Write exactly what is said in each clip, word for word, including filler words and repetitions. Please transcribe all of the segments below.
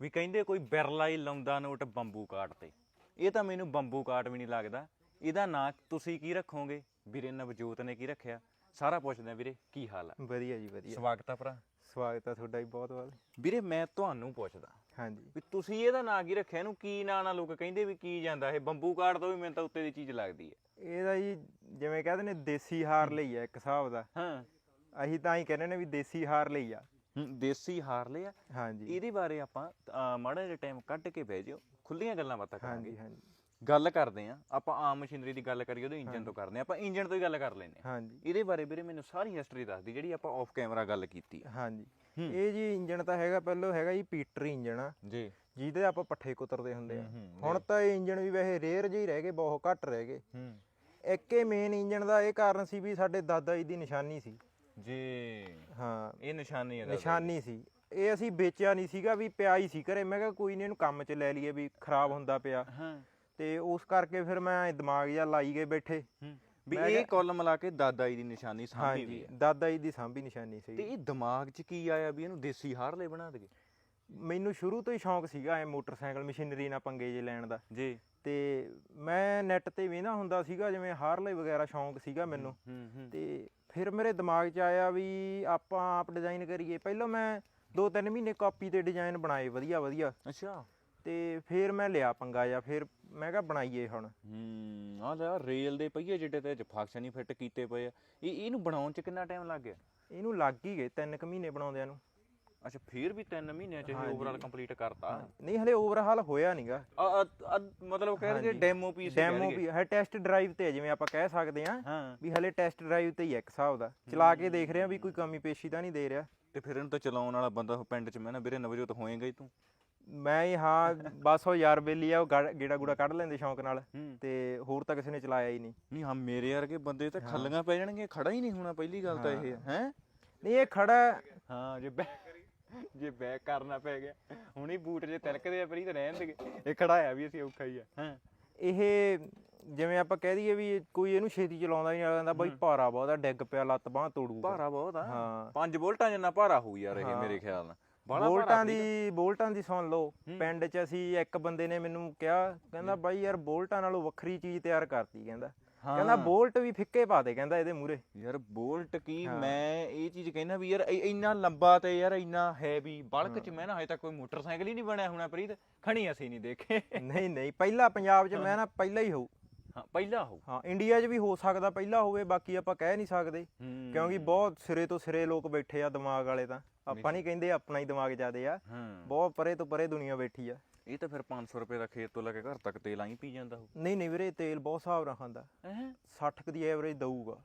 ਵੀ ਕਹਿੰਦੇ ਕੋਈ ਬਿਰਲਾ ਹੀ ਲਾਉਂਦਾ ਨੋਟ ਬੰਬੂ ਕਾਟ ਤੇ। ਇਹ ਤਾਂ ਮੈਨੂੰ ਬੰਬੂ ਕਾਟ ਵੀ ਨਹੀਂ ਲੱਗਦਾ। ਇਹਦਾ ਨਾਂ ਤੁਸੀਂ ਕੀ ਰੱਖੋਗੇ? ਵੀਰੇ ਨਵਜੋਤ ਨੇ ਕੀ ਰੱਖਿਆ? ਸਾਰਾ ਪੁੱਛਦੇ ਆ ਵੀਰੇ, ਕੀ ਹਾਲ ਆ? ਵਧੀਆ ਜੀ ਵਧੀਆ। ਸਵਾਗਤ ਆ ਭਰਾ। ਸਵਾਗਤ ਆ ਤੁਹਾਡਾ ਵੀ ਬਹੁਤ ਬਹੁਤ। ਵੀਰੇ ਮੈਂ ਤੁਹਾਨੂੰ ਪੁੱਛਦਾ ਹਾਂਜੀ ਵੀ ਤੁਸੀਂ ਇਹਦਾ ਨਾਂ ਕੀ ਰੱਖਿਆ? ਇਹਨੂੰ ਕੀ ਨਾਂ ਨਾਲ ਲੋਕ ਕਹਿੰਦੇ ਵੀ ਕੀ ਜਾਂਦਾ ਇਹ? ਬੰਬੂ ਕਾਟ ਤੋਂ ਵੀ ਮੈਨੂੰ ਤਾਂ ਉੱਤੇ ਦੀ ਚੀਜ਼ ਲੱਗਦੀ ਹੈ। ਇਹਦਾ ਜੀ ਜਿਵੇਂ ਕਹਿੰਦੇ ਨੇ ਦੇਸੀ ਹਾਰ ਲਈ ਆ ਇੱਕ ਹਿਸਾਬ ਦਾ। ਹਾਂ ਅਸੀਂ ਤਾਂ ਹੀ ਕਹਿੰਦੇ ਨੇ ਵੀ ਦੇਸੀ ਹਾਰ ਲਈ ਆ। ਦੇਸੀ ਹਾਰ ਲਿਆ। ਹਾਂਜੀ ਇਹਦੇ ਬਾਰੇ ਆਪਾਂ ਅਹ, ਮਾੜਾ ਜਿਹਾ ਟਾਈਮ ਕੱਢ ਕੇ ਬਹਿ ਜਿਓ, ਖੁੱਲੀਆਂ ਗੱਲਾਂ ਬਾਤਾਂ ਕਰਾਂਗੇ। ਹਾਂਜੀ ਹਾਂਜੀ ਗੱਲ ਕਰਦੇ ਆ ਆਪਾਂ ਆਮ ਮਸ਼ੀਨਰੀ ਦੀ ਗੱਲ ਕਰੀਏ ਉਹਦੇ ਇੰਜਨ ਤੋਂ ਕਰਦੇ ਆ। ਆਪਾਂ ਇੰਜਨ ਤੋਂ ਹੀ ਗੱਲ ਕਰ ਲੈਂਦੇ ਆ। ਹਾਂਜੀ ਇਹਦੇ ਬਾਰੇ ਵੀਰੇ ਮੈਨੂੰ ਸਾਰੀ ਹਿਸਟਰੀ ਦੱਸਦੀ ਜਿਹੜੀ ਆਪਾਂ ਆਫ ਕੈਮਰਾ ਗੱਲ ਕੀਤੀ ਆ। ਹਾਂਜੀ ਇਹ ਜੀ ਇੰਜਣ ਤਾਂ ਹੈਗਾ ਪਹਿਲਾਂ ਹੈਗਾ ਜੀ ਪੀਟਰ ਇੰਜਣ ਆ ਜੀ, ਜਿਹਦੇ ਆਪਾਂ ਪੱਠੇ ਕੁਤਰਦੇ ਹੁੰਦੇ ਆ। ਹੂੰ, ਹੂੰ, ਹੁਣ ਤਾਂ ਇਹ ਇੰਜਣ ਵੀ ਵੈਸੇ ਰੇਅਰ ਜਿਹੇ ਹੀ ਰਹਿ ਗਏ, ਬਹੁਤ ਘੱਟ ਰਹਿ ਗਏ। ਹੂੰ ਇੱਕ ਇਹ ਮੇਨ ਇੰਜਣ ਦਾ ਇਹ ਕਾਰਨ ਸੀ ਵੀ ਸਾਡੇ ਦਾਦਾ ਜੀ ਦੀ ਨਿਸ਼ਾਨੀ ਸੀ। ਜੀ ਹਾਂ ਇਹ ਨਿਸ਼ਾਨੀ ਹੈ। ਨਿਸ਼ਾਨੀ ਸੀ। ਇਹ ਅਸੀਂ ਵੇਚਿਆ ਨਹੀਂ ਸੀਗਾ, ਵੀ ਪਿਆ ਹੀ ਸੀ ਘਰੇ। ਮੈਂ ਕਿਹਾ ਕੋਈ ਨਹੀਂ ਇਹਨੂੰ ਕੰਮ 'ਚ ਲੈ ਲਈਏ, ਵੀ ਖਰਾਬ ਹੁੰਦਾ ਪਿਆ। ਹਾਂ ਤੇ ਉਸ ਕਰਕੇ ਫਿਰ ਮੈਂ ਦਿਮਾਗ ਜਿਹਾ ਲਾਈ ਗਏ ਬੈਠੇ ਵੀ ਇਹ ਕੁੱਲ ਮਿਲਾ ਕੇ ਦਾਦਾ ਜੀ ਦੀ ਨਿਸ਼ਾਨੀ ਸਾਂਭੀ ਵੀ ਹਾਂਜੀ ਹੈ। ਦਾਦਾ ਜੀ ਦੀ ਸਾਂਭੀ ਨਿਸ਼ਾਨੀ ਤੇ ਸੀ। ਇਹ ਦਿਮਾਗ 'ਚ ਕੀ ਆਇਆ ਵੀ ਇਹਨੂੰ ਦੇਸੀ ਹਾਰਲੇ ਬਣਾ ਦਈਏ? ਮੈਨੂੰ ਸ਼ੁਰੂ ਤੋਂ ਹੀ ਸ਼ੌਂਕ ਸੀਗਾ ਐ ਮੋਟਰਸਾਈਕਲ ਮਸ਼ੀਨਰੀ ਨਾਲ ਪੰਗੇ ਜੇ ਲੈਣ ਦਾ। ਜੀ ਤੇ ਮੈਂ ਨੈੱਟ ਤੇ ਵੇਖਦਾ ਹੁੰਦਾ ਸੀਗਾ, ਜਿਵੇਂ ਹਾਰਲੇ ਵਗੈਰਾ ਸ਼ੌਂਕ ਸੀਗਾ ਮੈਨੂੰ। ਹੂੰ ਹੂੰ ਤੇ ਫਿਰ ਮੇਰੇ ਦਿਮਾਗ 'ਚ ਆਇਆ ਵੀ ਆਪਾਂ ਆਪ ਡਿਜ਼ਾਈਨ ਕਰੀਏ। ਪਹਿਲਾਂ ਮੈਂ ਦੋ ਤਿੰਨ ਮਹੀਨੇ ਕਾਪੀ ਤੇ ਡਿਜ਼ਾਈਨ ਬਣਾਏ ਵਧੀਆ ਵਧੀਆ। ਅੱਛਾ। ਤੇ ਫਿਰ ਮੈਂ ਲਿਆ ਪੰਗਾ ਜਾਂ ਫਿਰ ਮੈਂ ਕਿਹਾ ਬਣਾਈਏ ਹੁਣ। ਹੂੰ ਆ ਲੈ ਰੇਲ ਦੇ ਪਹੀਏ ਜਿਹੜੇ ਤੇ ਫੰਕਸ਼ਨ ਹੀ ਫਿੱਟ ਕੀਤੇ ਪਏ ਆ। ਇਹ ਇਹਨੂੰ ਬਣਾਉਣ 'ਚ ਕਿੰਨਾ ਟਾਈਮ ਲੱਗ ਗਿਆ? ਇਹਨੂੰ ਲੱਗ ਹੀ ਗਏ ਤਿੰਨ ਕੁ ਮਹੀਨੇ ਬਣਾਉਂਦਿਆਂ ਨੂੰ। ਅੱਛਾ ਫਿਰ ਵੀ ਤਿੰਨ ਮਹੀਨਿਆਂ 'ਚ ਇਹ ਓਵਰਆਲ ਕੰਪਲੀਟ ਕਰਤਾ? ਨਹੀਂ ਹਲੇ ਓਵਰਹਾਲ ਹੋਇਆ ਨਹੀਂਗਾ। ਮਤਲਬ ਕਹਿ ਰਹੇ ਡੈਮੋ ਪੀਸ ਡੈਮੋ ਵੀ ਹੈ, ਟੈਸਟ ਡਰਾਈਵ ਤੇ ਹੈ ਜਿਵੇਂ ਆਪਾਂ ਕਹਿ ਸਕਦੇ ਆ। ਹਾਂ ਵੀ ਹਲੇ ਟੈਸਟ ਡਰਾਈਵ ਤੇ ਹੀ ਹੈ ਇੱਕ ਹਿਸਾਬ ਦਾ। ਚਲਾ ਕੇ ਦੇਖ ਰਿਹਾ ਵੀ ਕੋਈ ਕਮੀ ਪੇਸ਼ੀ ਤਾਂ ਨਹੀਂ ਦੇ ਰਿਹਾ। ਤੇ ਫਿਰ ਇਹਨੂੰ ਤਾਂ ਚਲਾਉਣ ਵਾਲਾ ਬੰਦਾ ਪਿੰਡ 'ਚ ਮੈਂ ਨਾ ਵੀਰੇ ਨਵਜੋਤ ਹੋਏਗਾ ਹੀ ਤੂੰ। ਮੈਂ ਹੀ ਹਾਂ ਬਸ ਉਹ ਯਾਰ ਬੇਲੀ ਆ, ਉਹ ਗੇੜਾ ਗੂੜਾ ਕੱਢ ਲੈਂਦੇ ਸ਼ੌਂਕ ਨਾਲ। ਤੇ ਹੋਰ ਤਾਂ ਕਿਸੇ ਨੇ ਚਲਾਇਆ ਹੀ ਨਹੀਂ। ਨਹੀਂ ਹਾਂ ਮੇਰੇ ਵਰਗੇ ਬੰਦੇ ਤਾਂ ਖੱਲੀਆਂ ਪੈ ਜਾਣਗੇ, ਖੜਾ ਹੀ ਨਹੀਂ ਹੋਣਾ ਪਹਿਲੀ ਗੱਲ ਤਾਂ ਇਹ ਹੈ। ਨਹੀਂ ਇਹ ਖੜਾ ਹਾਂ ਜੇ ਜੇ ਬੈਕ ਕਰਨਾ ਪੈ ਗਿਆ ਹੁਣੀ ਬੂਟ ਜੇ ਤਿਲਕਦੇ ਆ ਪਰੀ ਤਾਂ ਰਹਿਣ ਦੇ। ਇਹ ਖੜਾਇਆ ਵੀ ਅਸੀਂ ਔਖਾ ਹੀ ਆ। ਹਾਂ ਇਹ ਜਿਵੇਂ ਆਪਾਂ ਕਹਿ ਦਈਏ ਵੀ ਕੋਈ ਇਹਨੂੰ ਛੇਤੀ ਚਲਾਉਂਦਾ ਹੀ ਨਹੀਂ ਜਾਂਦਾ ਬਾਈ, ਭਾਰਾ ਬਹੁਤ ਆ, ਡਿੱਗ ਪਿਆ ਲੱਤ ਬਾਂਹ ਤੋੜੂ। ਭਾਰਾ ਬਹੁਤ ਆ। ਹਾਂ ਪੰਜ ਵੋਲਟਾਂ ਜਿੰਨਾ ਭਾਰਾ ਹੋਊ ਯਾਰ ਇਹ ਮੇਰੇ ਖਿਆਲ ਨਾਲ। ਬੋਲਟਾਂ ਦੀ ਬੋਲਟਾਂ ਦੀ ਸੁਣ ਲਓ। ਪਿੰਡ 'ਚ ਅਸੀਂ ਇੱਕ ਬੰਦੇ ਨੇ ਮੈਨੂੰ ਕਿਹਾ, ਕਹਿੰਦਾ ਬਾਈ ਯਾਰ ਬੋਲਟਾਂ ਨਾਲੋਂ ਵੱਖਰੀ ਚੀਜ਼ ਤਿਆਰ ਕਰਤੀ। ਕਹਿੰਦਾ ਕਹਿੰਦਾ ਬੋਲਟ ਵੀ ਫਿੱਕੇ ਪਾ ਦੇ ਕਹਿੰਦਾ ਇਹਦੇ ਮੂਹਰੇ। ਯਾਰ ਬੋਲਟ ਕੀ, ਮੈਂ ਇਹ ਚੀਜ਼ ਕਹਿੰਦਾ ਵੀ ਯਾਰ ਇੰਨਾ ਲੰਬਾ ਤੇ ਯਾਰ ਇੰਨਾ ਹੈਵੀ ਬਲਕ 'ਚ ਮੈਂ ਨਾ ਹਜੇ ਤੱਕ ਕੋਈ ਮੋਟਰਸਾਈਕਲ ਹੀ ਨਹੀਂ ਬਣਿਆ ਹੋਣਾ ਪ੍ਰੀਤ। ਖਣੀ ਅਸੀਂ ਨਹੀਂ ਦੇਖੇ। ਨਹੀਂ ਨਹੀਂ ਪਹਿਲਾਂ ਪੰਜਾਬ 'ਚ ਮੈਂ ਨਾ ਪਹਿਲਾਂ ਹੀ ਹੋਊ। ਹਾਂ ਪਹਿਲਾਂ ਹੋਊ। ਹਾਂ ਇੰਡੀਆ 'ਚ ਵੀ ਹੋ ਸਕਦਾ ਪਹਿਲਾਂ ਹੋਵੇ, ਬਾਕੀ ਆਪਾਂ ਕਹਿ ਨਹੀਂ ਸਕਦੇ ਕਿਉਂਕਿ ਬਹੁਤ ਸਿਰੇ ਤੋਂ ਸਿਰੇ ਲੋਕ ਬੈਠੇ ਆ ਦਿਮਾਗ ਵਾਲੇ। ਤਾਂ ਆਪਾਂ ਨਹੀਂ ਕਹਿੰਦੇ ਆਪਣਾ ਹੀ ਦਿਮਾਗ ਜ਼ਿਆਦੇ ਆ, ਬਹੁਤ ਪਰੇ ਤੋਂ ਪਰੇ ਦੁਨੀਆ ਬੈਠੀ ਆ। ਇਹ ਤਾਂ ਫਿਰ ਪੰਜ ਸੌ ਰੁਪਏ ਦਾ ਖੇਤ ਤੋਂ ਲੈ ਕੇ ਘਰ ਤੱਕ ਤੇਲ ਆਈ ਪੀ ਜਾਂਦਾ ਉਹ। ਨਹੀਂ ਨਹੀਂ ਵੀਰੇ ਤੇਲ ਬਹੁਤ ਹਿਸਾਬ ਨਾਲ ਖਾਂਦਾ। ਸੱਠ ਕੁ ਦੀ ਐਵਰੇਜ ਦਊਗਾ।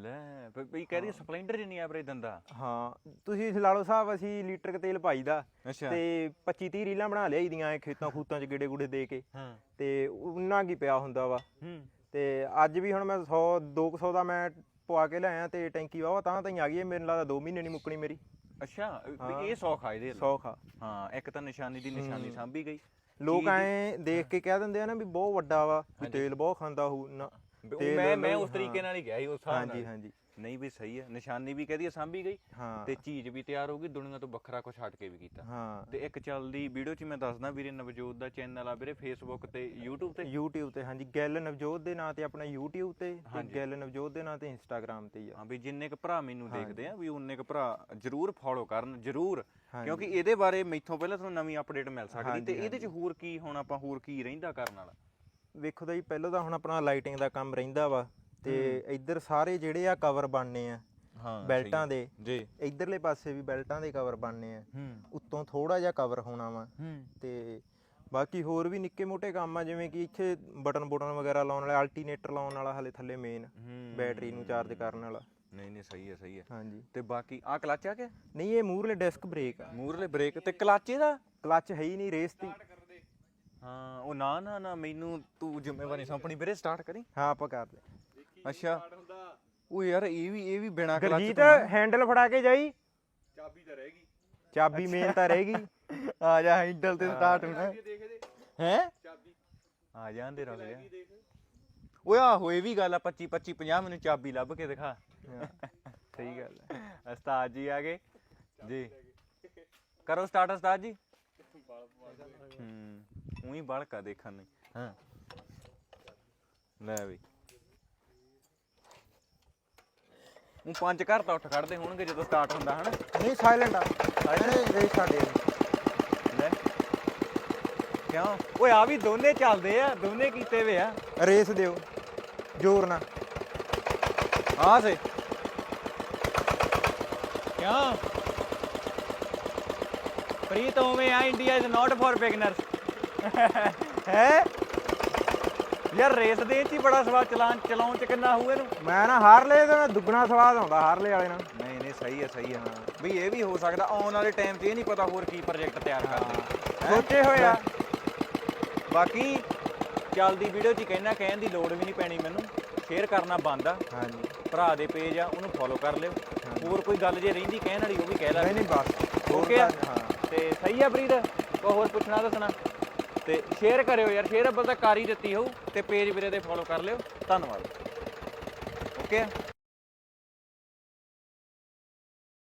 ਲੈ ਬਈ ਕਹਿ ਰਹੀ ਸਪਲੈਂਡਰ ਜਿੰਨੀ ਐਵਰੇਜ ਦਿੰਦਾ। ਹਾਂ ਤੁਸੀਂ ਲਾ ਲਓ ਹਿਸਾਬ, ਅਸੀਂ ਲੀਟਰ ਕ ਤੇਲ ਪਾਈਦਾ ਤੇ ਪੱਚੀ ਤੀਹ ਰੀਲਾਂ ਬਣਾ ਲਿਆਈ ਦੀਆਂ ਖੇਤਾਂ ਖੂਤਾਂ 'ਚ ਗੇੜੇ ਗੂੜੇ ਦੇ ਕੇ। ਤੇ ਉਹਨਾਂ ਕੀ ਪਿਆ ਹੁੰਦਾ ਵਾ। ਤੇ ਅੱਜ ਵੀ ਹੁਣ ਮੈਂ ਸੌ ਦੋ ਕੁ ਸੌ ਦਾ ਮੈਂ ਪਵਾ ਕੇ ਲਿਆਇਆ ਤੇ ਟੈਂਕੀ ਵਾਵਾ ਤਾਂ ਤਾਂ ਹੀ ਆ ਗਈ। ਮੇਰੇ ਲੱਗਦਾ ਦੋ ਮਹੀਨੇ ਨਹੀਂ ਮੁੱਕਣੀ ਮੇਰੀ। ਅੱਛਾ ਇਹ ਸੌਖ ਆ ਇਹਦੇ ਸੌਖ ਆ। ਹਾਂ ਇੱਕ ਤਾਂ ਨਿਸ਼ਾਨੀ ਦੀ ਨਿਸ਼ਾਨੀ ਸਾਂਭੀ ਗਈ। ਲੋਕ ਐ ਦੇਖ ਕੇ ਕਹਿ ਦਿੰਦੇ ਆ ਨਾ ਵੀ ਬਹੁਤ ਵੱਡਾ ਵਾ, ਤੇਲ ਬਹੁਤ ਖਾਂਦਾ ਹੋਊ। ਨਾ ਮੈਂ ਮੈਂ ਉਸ ਤਰੀਕੇ ਨਾਲ ਹੀ ਗਿਆ ਸੀ ਉਸ ਹਿਸਾਬ ਨਾਲ। ਹਾਂਜੀ ਹਾਂਜੀ ਨਹੀਂ ਵੀ ਸਹੀ ਹੈ, ਨਿਸ਼ਾਨੀ ਵੀ ਕਹਦੀ ਸਾਂਭੀ ਗਈ ਤੇ ਚੀਜ਼ ਵੀ ਤਿਆਰ ਹੋ ਗਈ, ਦੁਨੀਆ ਤੋਂ ਵੱਖਰਾ ਕੁਝ ਹਟ ਕੇ ਵੀ ਕੀਤਾ। ਤੇ ਇੱਕ ਚੱਲਦੀ ਵੀਡੀਓ 'ਚ ਮੈਂ ਦੱਸਦਾ ਵੀਰੇ ਨਵਜੋਤ ਦਾ ਚੈਨਲ ਆ ਵੀਰੇ ਫੇਸਬੁੱਕ ਤੇ ਯੂਟਿਊਬ ਤੇ ਯੂਟਿਊਬ ਤੇ। ਹਾਂਜੀ ਗਿੱਲ ਨਵਜੋਤ ਦੇ ਨਾਂ ਤੇ ਆਪਣਾ ਯੂਟਿਊਬ ਤੇ, ਤੇ ਗਿੱਲ ਨਵਜੋਤ ਦੇ ਨਾਂ ਤੇ ਇੰਸਟਾਗ੍ਰਾਮ ਤੇ ਹੀ ਆ। ਹਾਂ ਵੀ ਜਿੰਨੇ ਕ ਭਰਾ ਮੈਨੂੰ ਦੇਖਦੇ ਆ ਵੀ ਉਨੇ ਕ ਭਰਾ ਜਰੂਰ ਫੋਲੋ ਕਰਨ ਜਰੂਰ, ਕਿਉਂਕਿ ਇਹਦੇ ਬਾਰੇ ਮੈਥੋਂ ਪਹਿਲਾਂ ਤੁਹਾਨੂੰ ਨਵੀਂ ਅਪਡੇਟ ਮਿਲ ਸਕਦੀ। ਤੇ ਇਹਦੇ 'ਚ ਹੋਰ ਕੀ ਹੁਣ ਆਪਾਂ ਹੋਰ ਕੀ ਰਹਿੰਦਾ ਕਰਨ ਵਾਲਾ? ਵੇਖੋ ਤਾਂ ਜੀ ਪਹਿਲਾਂ ਤਾਂ ਹੁਣ ਆਪਣਾ ਲਾਈਟਿੰਗ ਦਾ ਕੰਮ ਰਹਿੰਦਾ ਵਾ। ਤੇ ਇੱਧਰ ਸਾਰੇ ਜਿਹੜੇ ਆ ਕਵਰ ਬਣਨੇ ਆ ਬੈਲਟਾਂ ਦੇ। ਜੀ ਇਧਰਲੇ ਪਾਸੇ ਵੀ ਬੈਲਟਾਂ ਦੇ ਕਵਰ ਬਣਨੇ ਆ। ਉੱਤੋਂ ਥੋੜਾ ਜਿਹਾ ਕਵਰ ਹੋਣਾ ਵਾ। ਤੇ ਬਾਕੀ ਹੋਰ ਵੀ ਨਿੱਕੇ ਮੋਟੇ ਕੰਮ ਆ, ਜਿਵੇਂ ਕਿ ਇੱਥੇ ਬਟਨ ਬੁਟਨ ਵਗੈਰਾ ਲਾਉਣ ਵਾਲਾ, ਅਲਟੀਨੇਟਰ ਲਾਉਣ ਵਾਲਾ, ਹਲੇ ਥੱਲੇ ਮੇਨ ਬੈਟਰੀ ਨੂੰ ਚਾਰਜ ਕਰਨ ਵਾਲਾ। ਨਹੀਂ ਨਹੀਂ ਸਹੀ ਹੈ ਸਹੀ ਹੈ। ਹਾਂਜੀ ਤੇ ਬਾਕੀ ਆ ਕਲਚ ਆ ਗਿਆ? ਨਹੀਂ ਇਹ ਮੂਹਰਲੇ ਡਿਸਕ ਬ੍ਰੇਕ ਆ। ਮੂਹਰਲੇ ਬ੍ਰੇਕ ਤੇ ਕਲਚ ਇਹਦਾ? ਕਲਚ ਹੈ ਹੀ ਨਹੀਂ, ਰੇਸ ਦੀ। ਹਾਂ ਉਹ ਨਾ ਨਾ ਨਾ ਮੈਨੂੰ ਤੂੰ ਜ਼ਿੰਮੇਵਾਰੀ ਸੌਂਪਣੀ ਵੀਰੇ, ਸਟਾਰਟ ਕਰੀ। ਹਾਂ ਆਪਾਂ ਕਰਦੇ। ਅੱਛਾ ਉਹ ਯਾਰ ਇਹ ਵੀ ਇਹ ਵੀ ਬਿਨਾ ਕਲਚ ਗਰਜੀਤ ਹੈਂਡਲ ਫੜਾ ਕੇ ਜਾਈ। ਚਾਬੀ ਤਾਂ ਰਹਿ ਗਈ, ਚਾਬੀ ਮੇਨ ਤਾਂ ਰਹਿ ਗਈ। ਆ ਜਾ ਹੈਂਡਲ ਤੇ ਸਟਾਰਟ ਹੋਣਾ ਹੈ। ਚਾਬੀ ਆ ਜਾਂਦੇ ਰੁਕ ਜਾ। ਓਏ ਆਹੋ ਇਹ ਵੀ ਗੱਲ ਆ, ਪੱਚੀ ਪੱਚੀ ਪੰਜਾਹ ਮੈਨੂੰ ਚਾਬੀ ਲੱਭ ਕੇ ਦਿਖਾ। ਸਹੀ ਗੱਲ ਹੈ। ਉਸਤਾਦ ਜੀ ਆ ਗਏ ਜੀ, ਕਰੋ ਸਟਾਰਟ ਉਸਤਾਦ ਜੀ। ਹੂੰ ਉਹੀ ਬਲਕਾ ਦੇਖਣ ਨੂੰ ਹਾਂ ਲੈ ਬਈ ਉਹ ਪੰਜ ਘਰ ਤਾਂ ਉੱਠ ਖੜਦੇ ਹੋਣਗੇ ਜਦੋਂ ਸਟਾਰਟ ਹੁੰਦਾ ਹਨਾ ਨਹੀਂ ਸਾਇਲੈਂਟ ਆ ਸਾਇਲੈਂਟ ਰੇਸ ਸਾਡੇ ਲੈ ਕਿਉਂ ਓਏ ਆ ਵੀ ਦੋਨੇ ਚੱਲਦੇ ਆ ਦੋਨੇ ਕੀਤੇ ਵੇ ਆ ਰੇਸ ਦਿਓ ਜ਼ੋਰ ਨਾਲ ਆ ਸੇ ਕਿਉਂ ਪ੍ਰੀਤ ਉਵੇਂ ਆ India is not for beginners ਹੈ ਯਾਰ ਰੇਸ ਦੇ ਚ ਹੀ ਬੜਾ ਸਵਾਦ ਚਲਾਉਣ ਚਲਾਉਣ ਚ ਕਿੰਨਾ ਹੋਊ ਇਹਨੂੰ ਮੈਂ ਨਾ ਹਾਰਲੇ ਦਾ ਦੁੱਗਣਾ ਸਵਾਦ ਆਉਂਦਾ ਹਾਰਲੇ ਵਾਲੇ ਨਾਲ ਨਹੀਂ ਨਹੀਂ ਸਹੀ ਹੈ ਸਹੀ ਹੈ ਬਈ ਇਹ ਵੀ ਹੋ ਸਕਦਾ ਆਉਣ ਵਾਲੇ ਟਾਈਮ 'ਚ ਇਹ ਨਹੀਂ ਪਤਾ ਹੋਰ ਕੀ ਪ੍ਰੋਜੈਕਟ ਤਿਆਰ ਕਰਦੇ ਸੋਚੇ ਹੋਏ ਆ ਬਾਕੀ ਚੱਲਦੀ ਵੀਡੀਓ 'ਚ ਕਹਿਣਾ ਕਹਿਣ ਦੀ ਲੋੜ ਵੀ ਨਹੀਂ ਪੈਣੀ ਮੈਨੂੰ ਸ਼ੇਅਰ ਕਰਨਾ ਬੰਦ ਆ ਹਾਂਜੀ ਭਰਾ ਦੇ ਪੇਜ ਆ ਉਹਨੂੰ ਫੋਲੋ ਕਰ ਲਿਓ ਹੋਰ ਕੋਈ ਗੱਲ ਜੇ ਰਹਿੰਦੀ ਕਹਿਣ ਵਾਲੀ ਉਹ ਵੀ ਕਹਿ ਲੈ ਨਹੀਂ ਨਹੀਂ ਬਸ ਓਕੇ ਆ ਹਾਂ ਤੇ ਸਹੀ ਆ ਪ੍ਰੀਤ ਕੋਈ ਹੋਰ ਪੁੱਛਣਾ ਦੱਸਣਾ ਤੇ ਸ਼ੇਅਰ ਕਰਿਓ ਯਾਰ ਸ਼ੇਅਰ ਅੱਬਲ ਤਾਂ ਕਰ ਹੀ ਦਿੱਤੀ ਹੋਊ ਤੇ ਪੇਜ ਵੀਰੇ ਦੇ ਫੋਲੋ ਕਰ ਲਿਓ ਧੰਨਵਾਦ ਓਕੇ